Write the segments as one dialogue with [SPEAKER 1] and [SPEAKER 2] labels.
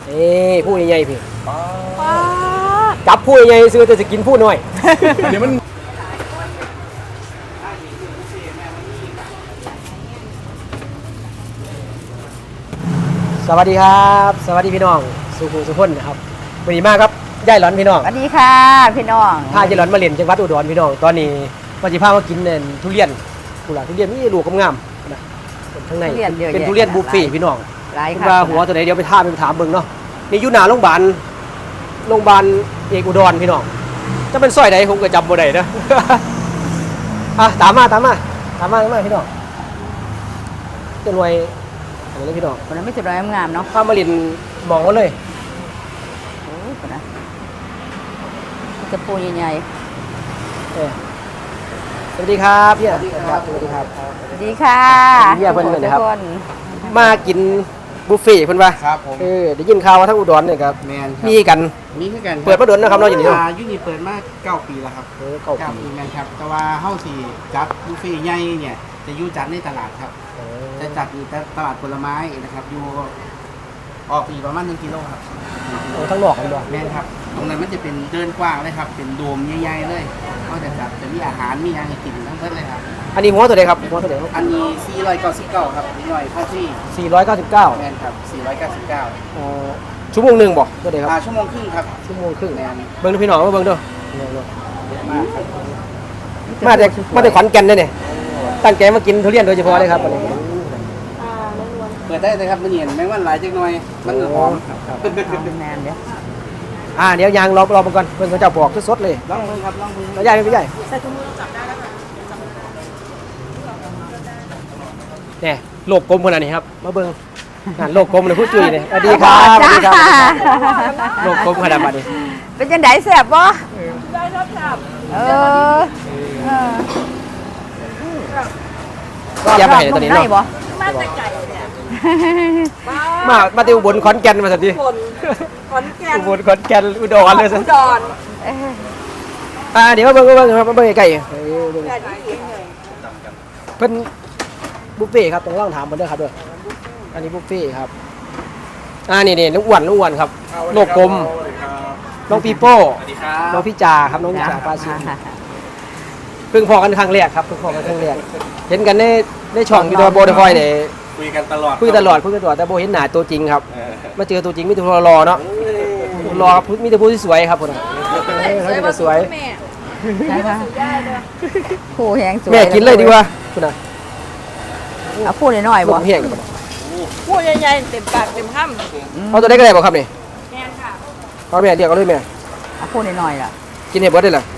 [SPEAKER 1] ผู้ใหญ่ๆพี่จับผู้ใหญ่ซื้อแต่จะกินผู้น้อยเดี๋ยวมันสวัสดีครับสวัสดีพี่น้องสุพลนะครับวันนี้มากครับย่ายหลอนพี่น้อง
[SPEAKER 2] สวัสดีค่ะพี่น้อง
[SPEAKER 1] พาย่ายหลอนมาเล่นจังหวัดอุดรพี่น้องตอนนี้มาจิพามากินเนี่ยทุเรียนกุหลาบทุเรียนนี่ลูกงามๆนะข้างในเป็นทุเรียนบุฟเฟ่พี่น้องคุณว่าหัวตัวไหนเดี๋ยวไปถามเบิ่งเนาะนี่อยู่หน้าโรงพยาบาลเอกอุดรพี่น้องจะเป็นซอยใดผมก็จำบ่ได้นะตามมาพี่น้องจะรวยอะไรนี่พี่น้อง
[SPEAKER 2] คนนั้นไม่สุดร้อยงามเนาะ
[SPEAKER 1] ข้ามาลินมองมาเลย
[SPEAKER 2] โอ้ยคนนั้นจะปูใหญ่
[SPEAKER 1] สวัสดีครับพี่สวัสดีครับ
[SPEAKER 2] สวัสดีค่ะ
[SPEAKER 1] พี่เพื่อนเลยนะครับมากินบุฟเฟ่เพื่อนป่ะ
[SPEAKER 3] ครับผม
[SPEAKER 1] ได้ยินข่าวว่าทั้งอุดรเนี่ยครับมีกันเปิดมาดนนะครับเราอย่างนี้
[SPEAKER 3] ยูนี่เปิดมา9 ปีแล้วครับ9 ปีแมนครับแต่ว่าเฮ้าสี่จัดบุฟเฟ่ใหญ่เนี่ยจะอยู่จัดในตลาดครับจะจัดอยู่ตลาดผลไม้นะครับอยู่ออกปีประมาณ1 กิโลครับ
[SPEAKER 1] ทั้งหลอกกันด้วย
[SPEAKER 3] แมนครับตรงนั้นมันจะเป็นเดินกว้างเลยครับเป็นโดมใหญ่ๆเลยก็จะจัดจะมีอาหารมีอะไรกินทั้งเพิ่มเลยครับ
[SPEAKER 1] อันนี้หัวตัวไหนครับหัวตัวไหน
[SPEAKER 3] อันนี้499ครับนิดหน่อยค่าที่
[SPEAKER 1] 499
[SPEAKER 3] แมนครับ499
[SPEAKER 1] ชั่วโมงหนึ่งบอกตัวไหนครับ
[SPEAKER 3] ชั่วโมงครึ่งครับ
[SPEAKER 1] ชั่วโมงครึ่งเบิ้งดูพี่น้องเบิ้งดูมาแต่ขอนแก่นเนี่ยตั้งใจมากินทุเรียนโดยเฉพาะเลยครับ
[SPEAKER 3] เปิดได้เลยครับมันเห็นแมงวันหลายจังหน่อยมันหอม
[SPEAKER 2] แมนเดี๋ยว
[SPEAKER 1] เดี๋ยวยางรอมาก่อนเพื่อนเขาจะบอกสดเลย
[SPEAKER 3] ลองมือครับลองมือ
[SPEAKER 1] ไม่ใหญ่
[SPEAKER 3] ใส่ถุงมือจับได้แล้วค่ะ
[SPEAKER 1] เนี่ยโลกกลมขนาดนี้ครับมาเบิ้งโลกกลมเลยพูดจุ้ยเลยสวัสดีครับโลกกลมขนาดนี้
[SPEAKER 2] เป็นจังไดแซ่บบ่ได้ครับ
[SPEAKER 1] แย่ไปตอนนี้เนาะ
[SPEAKER 2] มาแต่ไก่เนี่ย
[SPEAKER 1] มาที่อุบลขอนแก่นมาสักที
[SPEAKER 2] ขอนแก่น
[SPEAKER 1] อุบลขอนแก่นอุดรเลยสิ
[SPEAKER 2] อุดร
[SPEAKER 1] เดี๋ยวมาเบิ่งครับมาเบิ่งไก่เพิ่นบุฟเฟ่ครับต้องลองถามเพิ่นด้วยครับด้วยอันนี้บุฟเฟ่ครับนี่น้องอ้วนครับโลกกลมน้องปีโป้น้องพี่จ่าครับน้องจ่าปาชินเพิ่งพอกันครั้งแรกครับเพิ่งพอกันครั้งแรกเห็นกันในช่องวิดีโอโบเดฟอยเนี่ย
[SPEAKER 3] คุยกันตลอด
[SPEAKER 1] แต่โบเห็นหน้าตัวจริงครับมาเจอตัวจริงมีแต่ผู้รอเนาะรอมีแต่ผู้ที่สวยครับคนเขาจะสวย
[SPEAKER 2] ผู้แห้งสวย
[SPEAKER 1] แม่กินเลยดีกว่าคุณน่ะ
[SPEAKER 2] เอาผู้น้อยๆบ่
[SPEAKER 1] แห้ง
[SPEAKER 2] ผู้ใหญ่ๆเต็มปากเต็มคำ
[SPEAKER 1] เอาตัวได้ก็ได้บ่ครับนี่
[SPEAKER 2] แม่ค่ะ
[SPEAKER 1] เอาแม่เรียกเอาเลยแม่
[SPEAKER 2] เอาผู้น้อยๆล่ะ
[SPEAKER 1] กินเห็ดเบิดได้เหร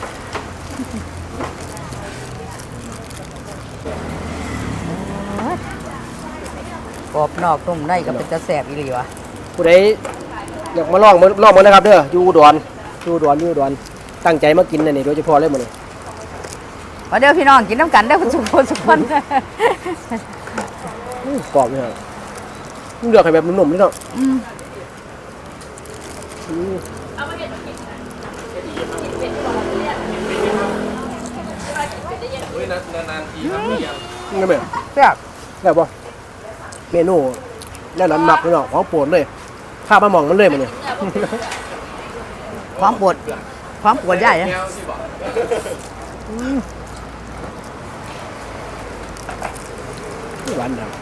[SPEAKER 2] อกรอบนอกนุ่มในก็เป็นจะแสบอีหลีวะ
[SPEAKER 1] ผู้ใดอยากมาลองมันนะครับเด้ออยู่อุดรตั้งใจมากินนี่โดยเฉพาะเลยหมดเลย
[SPEAKER 2] มาเด้อพี่น้องกินน้ำกันเด้อคุณสุพล
[SPEAKER 1] กรอบเลยครับเลือกให้แบบนุ่มๆนี่เนาะ
[SPEAKER 3] นานๆทีครับ
[SPEAKER 1] นี่แบบแซ่บป่ะเมนูแล้วหนักเลยเนาะของโปรดเลยข้าวมะม่วงมันเลยมันเนี่ย
[SPEAKER 2] ความปวดใหญ่นะ
[SPEAKER 1] หวานดัง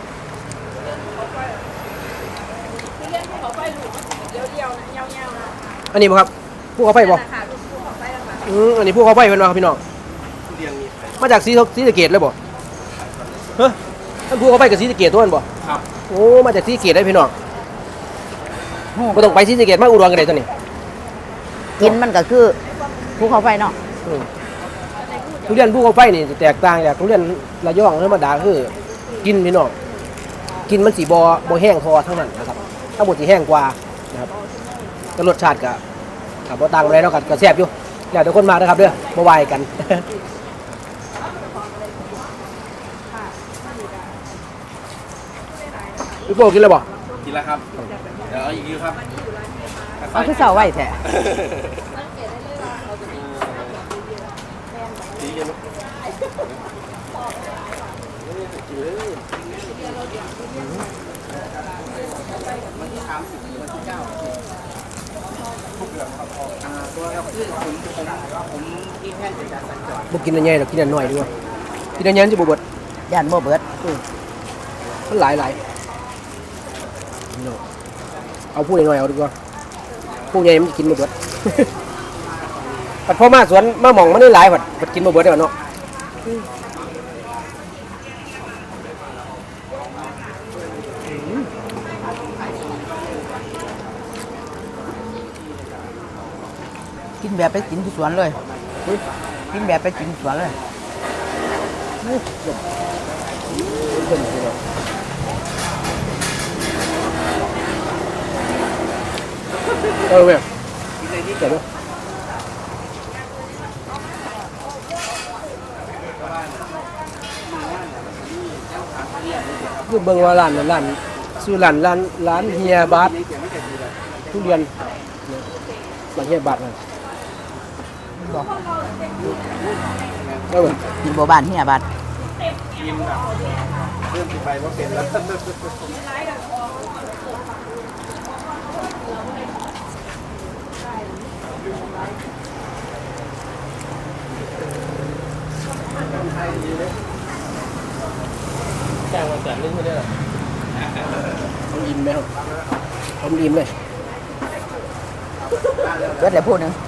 [SPEAKER 1] อันนี้ป่ะครับผู้เขาไฟป่ะอันนี้ผู้เขาไฟเป็นป่ะพี่น้องมาจากศรีสะเกษเลยป่ะเฮ้ยท่านผู้เขาไฟกับศรีสะเกษตัวนั้นป่ะ
[SPEAKER 3] ครับ
[SPEAKER 1] โอ้มาจากศรีสะเกษได้พี่น้องไม่ต้องไปศรีสะเกษมาอุดรกันเลยตัวนี้
[SPEAKER 2] กินมันก็คือภูเขาไฟเนาะ
[SPEAKER 1] ทุเรียนภูเขาไฟนี่แตกต่างจากทุเรียนระยองธรรมดาคือกินพี่น้องกินมันสีบ่แห้งคอทั้งนั้นนะครับถ้าบดสีแห้งกว่านะครับก็รสชาติกับบ่ต่างอะไรเนาะก็แซ่บอยู่อยากทุกคนมานะครับเด้อบ่วายกันพี่โป้กินแล้วบ่
[SPEAKER 3] กินแล้วครับเดี๋ยวเอาอีกครับ
[SPEAKER 2] เอาที่เสาไว้แท้
[SPEAKER 3] วันที่30 วันที่9 ตัวเราคือผมกินแค่จะจัดสัญจร
[SPEAKER 1] บ่กินอันใหญ่หรอกกินอันน้อยดีกว่ากินอันใหญ่มันจะบ่เบิด
[SPEAKER 2] ย่านบ่เบิด
[SPEAKER 1] มันหลายพี่น้องเอาผู้น้อยๆเอาดีกว่าผู้ใหญ่มันจะกินบ่เบิด ปัดพ่อมาสวนมาหม่องมันได้หลายปัดกินบ่เบิดได้เนาะ
[SPEAKER 2] กินแบบไปกินที่สวนเลยกินแบบไปกินสวนเลย
[SPEAKER 1] เออเว้ยเดี๋ยวดูคือเบิ่งว่าร้านนั้นร้านชื่อร้านเฮียบาสทุเรียนร้านเฮียบาสนั่น
[SPEAKER 2] บอก
[SPEAKER 1] เออเว้ย
[SPEAKER 2] กินบ่บ้านเฮียบาด
[SPEAKER 3] กินแบบเริ่มไปว่าเป็นแล้ว
[SPEAKER 1] แจ้งวันจันทร์นึงไม่ได้หรอเอาอิ่มไหมครับเอาอิ่มเลย
[SPEAKER 2] เบิดแล้วพูดหนึง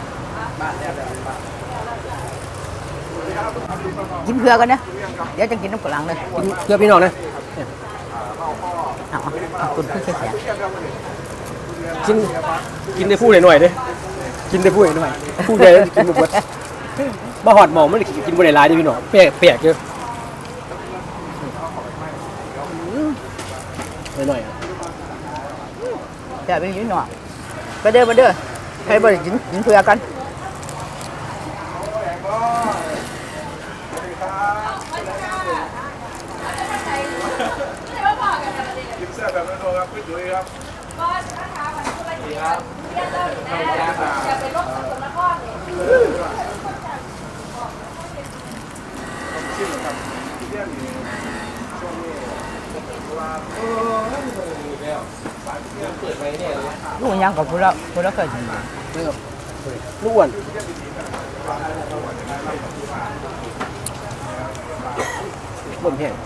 [SPEAKER 2] กินเพื่อกันนะเดี๋ยวจะกินน้ำกะหลังเลย
[SPEAKER 1] กินเพื่อพี่น้องนะ
[SPEAKER 2] เอาคุณพี่แค่แขน
[SPEAKER 1] กินได้พูดหน่อยๆเด้กินได้พูดหน่อยพูดใหญ่แล้วกินบ่หมดบ่หอดหมองมันกินบ่ได้หลายเด้พี่น้องแปลกๆเยอะหน่อยๆ
[SPEAKER 2] แต่ไปยืนหน่อยไปเด้อใครบ่ได้กินเพื่อกัน
[SPEAKER 4] ยิ้มแซ่บแบบนั้นครับพี่จุ๋ยครับ
[SPEAKER 2] ลูกยังกับพูดแล้วเคยกิน
[SPEAKER 1] ลูกอ้วนบ่มแห้ง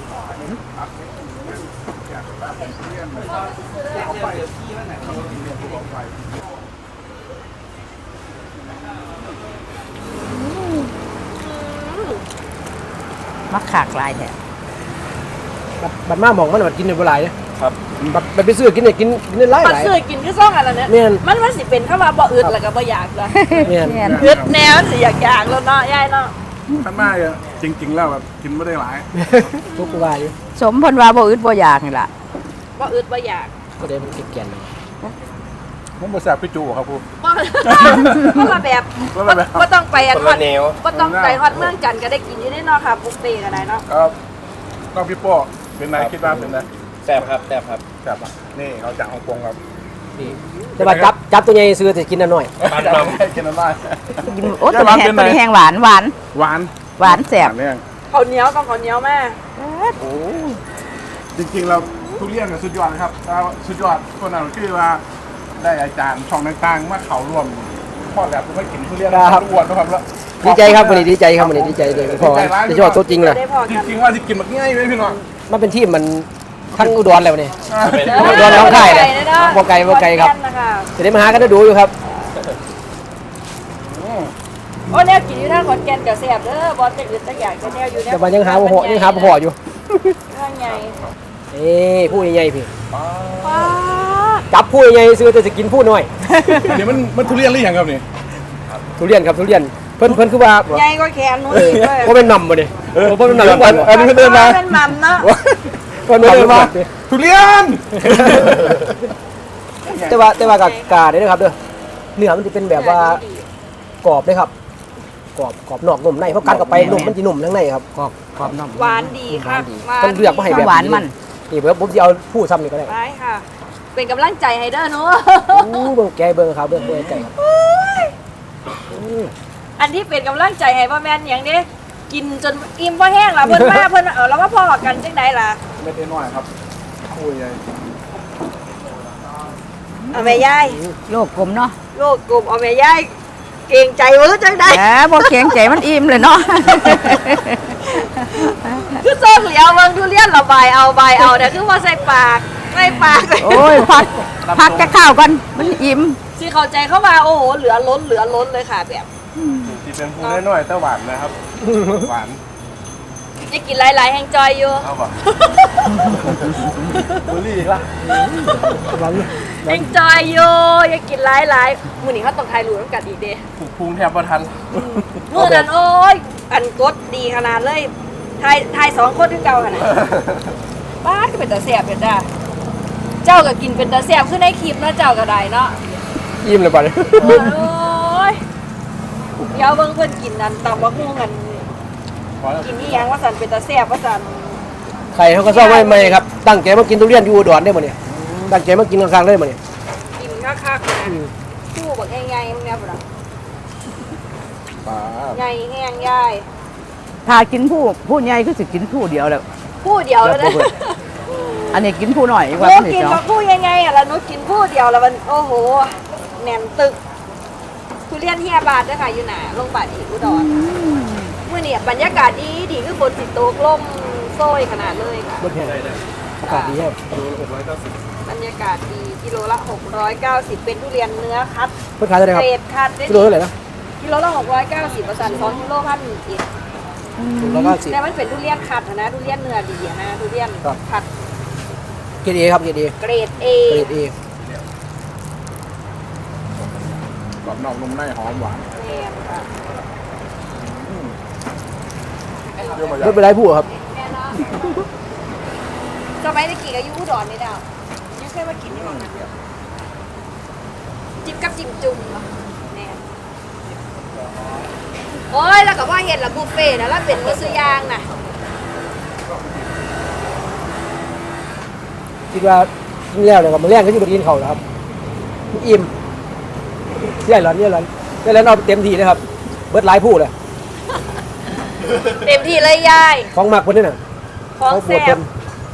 [SPEAKER 2] มักขากลายแท้
[SPEAKER 1] บัดมาหมองมันกินได้บ่หลายเด้ครับบัดไปซื้อกินได้กินได้หลาย
[SPEAKER 5] มันซื้อกินคือซ่องอะไรเนี่ย
[SPEAKER 1] แม่น
[SPEAKER 5] มันสิเป็นเข้ามาบ่อึดแล้วก็บ่อยากเลย
[SPEAKER 1] แม่น
[SPEAKER 5] อึดแนวสิอยากแล้วเนาะยายเนาะ
[SPEAKER 4] ท่านมากเลยจริง ๆ แล้วแบบกินไม่ได้หลาย
[SPEAKER 1] ทุกว่าอยู่
[SPEAKER 2] สมเพิ่นว่าบ่อึดบ่อยากนี่ล่ะ
[SPEAKER 5] บ่อึดบ่อยาก
[SPEAKER 1] ก็ได้มันแก่นๆเลย
[SPEAKER 4] ผมมาแซ่บพี่จูครับผม
[SPEAKER 5] บ่คนละแบบ
[SPEAKER 4] คนละแบบ
[SPEAKER 5] บ่ต้องไปอันฮอดบ่ต้องไปฮอดเมืองจันทน์ก็ได้กินอยู่ได้เนาะค่ะบุฟเฟ่ต์ก็ได้เนาะ
[SPEAKER 4] ครับน้องพี่โป้เป็นไงคิดว่าเป็นไง
[SPEAKER 6] แซ่บครับแซ่บครับ
[SPEAKER 4] แซ่บอ่ะนี่เขาจากฮ่องกงครับ
[SPEAKER 1] แต่ว่าจับตัวใหญ่ซื้อแต่กินอันน้อย
[SPEAKER 6] มัน
[SPEAKER 4] จะ
[SPEAKER 6] มัน
[SPEAKER 4] ให้กินอะไร
[SPEAKER 2] กินโอ้ตัวนี้แห้งตัวนี้แห้งหวาน
[SPEAKER 4] หวาน
[SPEAKER 2] หวานแซ่บ
[SPEAKER 4] เนี่ย
[SPEAKER 5] ข้าวเหนียวต้องข้าวเหนียวแม่
[SPEAKER 4] โอ้จริงๆเราทุเรียนกับสุดยอดนะครับแต่ว่าสุดยอดคนนั้นคือว่าได้อาจารย์ช่องต่างๆมาเขาร่วมพ่อแบบไม่กินทุเรียนอ้วนนะครับแล้ว
[SPEAKER 1] ดีใจครับวันนี้ดีใจครับวันนี้ดีใจเลยพอจะชอบตัวจริงเลย
[SPEAKER 5] ได้พอ
[SPEAKER 4] จ
[SPEAKER 5] กัน
[SPEAKER 4] ริงๆว่าจะกินแบบง่ายไหมพี่น้อง
[SPEAKER 1] มันเป็นที่มันทั้งอุดรแล้วนี่
[SPEAKER 5] เ
[SPEAKER 1] โดนน้องไข่เลย
[SPEAKER 5] เนาะ
[SPEAKER 1] บ่ไกลครับ
[SPEAKER 5] นะคะ
[SPEAKER 1] จะได้มาหากันดูอยู่ครับ
[SPEAKER 5] โอ้แนวกินอยู่ทางขอนแก่นก็แซ่บเด้อบ่จะอึดจักอย่างก็แนวอยู่แนว
[SPEAKER 1] แต่ว่ายังหาบ่พออยู่
[SPEAKER 5] ว่าไง
[SPEAKER 1] ผู้ใหญ่ๆพี่
[SPEAKER 5] ป้า
[SPEAKER 1] จับผู้ใหญ่ซื้อแต่จะกินผู้น้อย
[SPEAKER 4] เดี๋ยวมันทุเรียนหรือยังครับนี่
[SPEAKER 1] ทุเรียนครับทุเรียนเพิ่นคือว่า
[SPEAKER 5] ใหญ่กว่าแขนหนู
[SPEAKER 1] เออ
[SPEAKER 5] อีกเลย
[SPEAKER 1] บ่เป็นนำบ่นี่บ่เป็นนำทุกวัน
[SPEAKER 4] อันนี้เพิ่นเดินมา
[SPEAKER 5] เป็นหม่ำเนาะ
[SPEAKER 1] เพิ่นเดินมา
[SPEAKER 4] ทุเรียน
[SPEAKER 1] แต่ว่ากากาได้นะครับเด้อเนื้อมันจะเป็นแบบว่ากรอบเลยครับกรอบนอกนุ่มในเพราะกัดเข้าไปนุ่มมันจะนุ่มทั้งในครับ
[SPEAKER 2] กรอบนอก
[SPEAKER 5] หวานดีค่ะ
[SPEAKER 1] ต้องเลือกมาให้แบบ
[SPEAKER 2] หวานมัน
[SPEAKER 1] นี่เดี๋ยวผมจะเอาผู้ซ้ำนี่ก็ได้
[SPEAKER 5] ไปค่ะ เป็นกำลังใจให้เด้อหนู
[SPEAKER 1] เบิ่งแกเบิ่งครับเบิ่งไก่ครับ
[SPEAKER 5] อันที่เป็นกำลังใจให้พ่อแม่นอย่างนี้กินจนอิ่มพ่อแห้งล่ะเพิ่นมาเพิ่นเอาแล้วว่าพ่อกันจังไดล่ะ
[SPEAKER 4] ไม่ได้น้อยครับคุยใหญ่
[SPEAKER 5] เอาแม่ยาย
[SPEAKER 2] โลกกลมเนาะ
[SPEAKER 5] โลกกลุ่มเอาแม่ยายเก่งใจเวอจังได้
[SPEAKER 2] แหมบ่เก่งใจมันอิ่มเลยเนาะ
[SPEAKER 5] คือโซ่เหลียวเบิ่งทุเรียนระบายเอาใบเอาแต่คือว่าใส่ปากเลย
[SPEAKER 2] โอ้ยพักจะข้าวกันมันอิ่ม
[SPEAKER 5] สิเข้าใจเข้ามาโอ้โหเหลือล้นเลยค่ะแบบ
[SPEAKER 4] ที่เป็นผู้น้อยๆแต่หวานนะครับ หวาน
[SPEAKER 5] จะกินหลายๆแห่งจอยอยู่
[SPEAKER 4] เอาป่ะบุหรี่อีกละ
[SPEAKER 5] แห่งจอยอยู่อย่ากินหลายๆมื้อนี้เขาต้องทายรู้กันอีกเด้
[SPEAKER 4] ถูกพุงแทบประทัน
[SPEAKER 5] มื้อนั้นโอ้ยอันกดดีขนาดเลยทาย2คนคือเก่าขนาดป้าดก็เป็นตาแซ่บเป็นจ้าเจ้าก็กินเป็นตาแซ่บคือในคลิปเนาะเจ้าก็ได้เนาะ
[SPEAKER 1] ยิ้มเลยป่ะ
[SPEAKER 5] โอ้ยเดี๋ยวเบิ่งเพิ่นกินนั่นตำบักหุ่งกันกินนี่ยังว่าสันเป็นตาแซ่บว่าสัน
[SPEAKER 1] ใครเขาก็ชอบไม่ครับตั้งใจมากินทุเรียนอยู่อุดรได้หมดเนี่ยตั้งใจมากินกลางๆได้หมดเนี่ย
[SPEAKER 5] กินคักๆนะชู้บักใหญ่ๆมึงเนี่ยบ่ล่ะ
[SPEAKER 4] ปลา
[SPEAKER 5] ใหญ่แห้งยาย
[SPEAKER 2] ถ้ากินผู้ใหญ่ก็สิกินผู้เดียวแล้ว
[SPEAKER 5] ผู้เดียวแล้วนะ
[SPEAKER 2] อันนี้กินผู้หน่อย
[SPEAKER 5] ห
[SPEAKER 2] ว่า
[SPEAKER 5] นู
[SPEAKER 2] นี่
[SPEAKER 5] กิน
[SPEAKER 2] เจ้า
[SPEAKER 5] กับผู้ใหญ่ๆอ่ะแล้วหนูกินผู้เดียวแล้วมันโอ้โหแน่นตึกทุเรียนเฮียบาทเด้อค่ะอยู่หน้าโรงพยาบาลอีกอุดรมื้อนี้บรรยากาศดีคือฝนสิตกลมโซยขนาดเลยค่ะ
[SPEAKER 1] รถแห่อากาศดีแฮะ
[SPEAKER 5] บรรยากาศดีกิโลละ690เป็นทุเรียนเนื้อคัด
[SPEAKER 1] เพื่อขายเท่าไหร่ค
[SPEAKER 5] เก
[SPEAKER 1] รับ
[SPEAKER 5] รดคัดได้
[SPEAKER 1] กิโลเท่าไหร่นะ
[SPEAKER 5] กิโลละ690ประสาน2กิโลพันอีก
[SPEAKER 1] แล้วก็สิ
[SPEAKER 5] แต่มันเป็นทุเรียนคัดนะทุเรียนเนื้อดีอะนะทุเรียน
[SPEAKER 1] ครับ
[SPEAKER 5] คัด
[SPEAKER 1] เกรดเอครับเกรดเอ
[SPEAKER 5] เกรด A
[SPEAKER 1] เกรดเอก
[SPEAKER 4] รอบนอกนุ่มในหอมหวาน
[SPEAKER 5] แม่นค่ะ
[SPEAKER 4] เรื่องมา
[SPEAKER 1] ไม่เป็นไรผู้ครับ
[SPEAKER 5] แม่เนาะสมัยตะกี้ก็อยู่อุดรนี่ดาวยังเคยมากินที่หม้องนั้นจิ้มกับจิ้มจุ่มเนาะแน่โอ้ยแล้วก็ว่าเห็นละบุฟเฟ่ต์นะแล้วเป็นมื้อซื้อย่างน่ะ
[SPEAKER 1] คิดว่ากินแล้วเนี่ยก็มาแรงก็อยู่บนกินเขาแล้วครับอิ่มเสียหลอนเนี่ยหลอนเสียหลอนเอาเต็มที่เลยครับเบิดหลายผู้เลย
[SPEAKER 5] เต็มที่เลยยาย
[SPEAKER 1] ของหมักคนนี้น่ะ
[SPEAKER 5] ของ
[SPEAKER 1] ปว
[SPEAKER 5] แซ่
[SPEAKER 1] ดเต็
[SPEAKER 5] บ
[SPEAKER 1] ม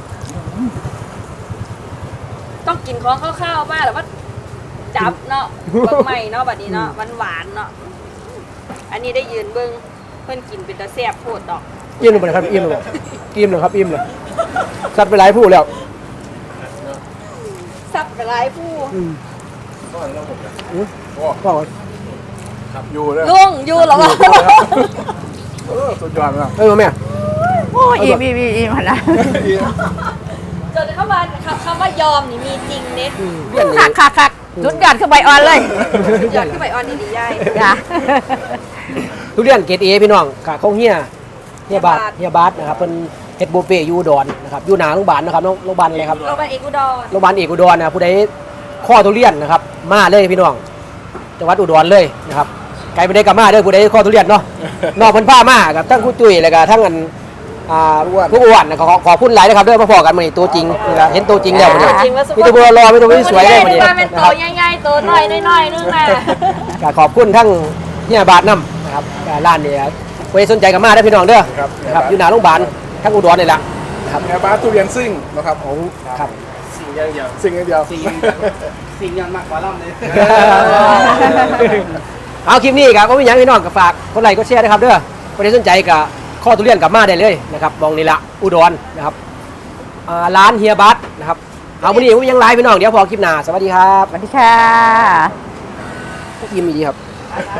[SPEAKER 5] ต้องกินของข้าวๆบ้างแล้วว่าจับเนาะเบิ่งใหม่เนาะบัดนี้เนาะหวานๆเนาะอันนี้ได้ยืนเบิ่งเพิ่นกินเป็นตาแซ่บโพดดอก
[SPEAKER 1] อิ่มเลยครับอิ่มเลยอิ่มเลยครับอิ่มเลยซัดไปหลายผู้แล้ว
[SPEAKER 5] ซับไปหลายผู้
[SPEAKER 1] ก็
[SPEAKER 4] อยู่เลย
[SPEAKER 5] ลุงอยู่เหรอวะ
[SPEAKER 4] สุดยอดมาก
[SPEAKER 1] แม่
[SPEAKER 2] โอ้ยอิ่มหั่นนะ
[SPEAKER 5] จนเข้ามาคำว่ายอมนี่มีจริงเด้
[SPEAKER 1] เรียน
[SPEAKER 2] คักสุดยอดคือใบอ่อนเลย
[SPEAKER 5] ยอดขึ้นไปออนนี่ดียาย
[SPEAKER 2] จ้ะ
[SPEAKER 1] ทุเรียนเกรดเอพี่น้องค่ะของเฮียบาทนะครับเป็นเฮ็ดบุฟเฟ่ต์อยู่อุดรนะครับอยู่หน้าโรงพยาบาลนะครับโรงพยาบาลอะไรครับ
[SPEAKER 5] โรงพยาบาลเอกอุดร
[SPEAKER 1] โรงพยาบาลเอกอุดรนะผู้ใดข้อทุเรียนนะครับมาเลยพี่น้องจังหวัดอุดรเลยนะครับไกลไปได้กับมาเด้อผู้ใดข้อทุเรียนเนาะนอกเพิ่นพามากับทั้งครูตุ้ยแล้วก็ทั้งอันผู้อ้วนนะขอพูดหลายนะครับเด้อมาพอกันมื้อนี้ตัวจริงนะครับเห็นตัวจริงแล้วมื้อนี้
[SPEAKER 5] จริงว่าสุ
[SPEAKER 1] มีแต่ผู้รอมีแต่ผู้สวยเลยมื้อนี้
[SPEAKER 5] ว่าเป็น
[SPEAKER 1] นะ
[SPEAKER 5] โต
[SPEAKER 1] ครับ
[SPEAKER 5] ใหญ่ๆโตน้อยนึงน่ะ
[SPEAKER 1] ก็ขอบคุณทั้งเฮียบาทนํนะครับร้านนี้ผู้ใดสนใจกับมาได้อพี่น้องเด้อนะครับอยู่หน้าโรงพยาบาลทั้งอุดรนี่แหละครับ
[SPEAKER 4] แอร์บาสทุเรียนซิ่งนะครับ
[SPEAKER 1] ของครับ
[SPEAKER 3] สิ่งอย่างเดียว
[SPEAKER 4] ซิ่งอย่างเดียว
[SPEAKER 3] สิ่งอย่างมากกว่าล่ำเลย
[SPEAKER 1] เอาคลิปนี้ครับก็มีอย่างพี่น้องก็ฝากคนไลค์ก็แชร์นะครับเด้อคนที่สนใจกับข้อทุเรียนกลับมาได้เลยนะครับมองนี่ละอุดรนะครับร้านเฮียบัสนะครับเอาวันนี้ผมยังไลฟ์พี่น้องเดี๋ยวพอคลิปหน้าสวัสดีครับ
[SPEAKER 2] สวัสดีค่ะ
[SPEAKER 1] ยิ้มดีครับ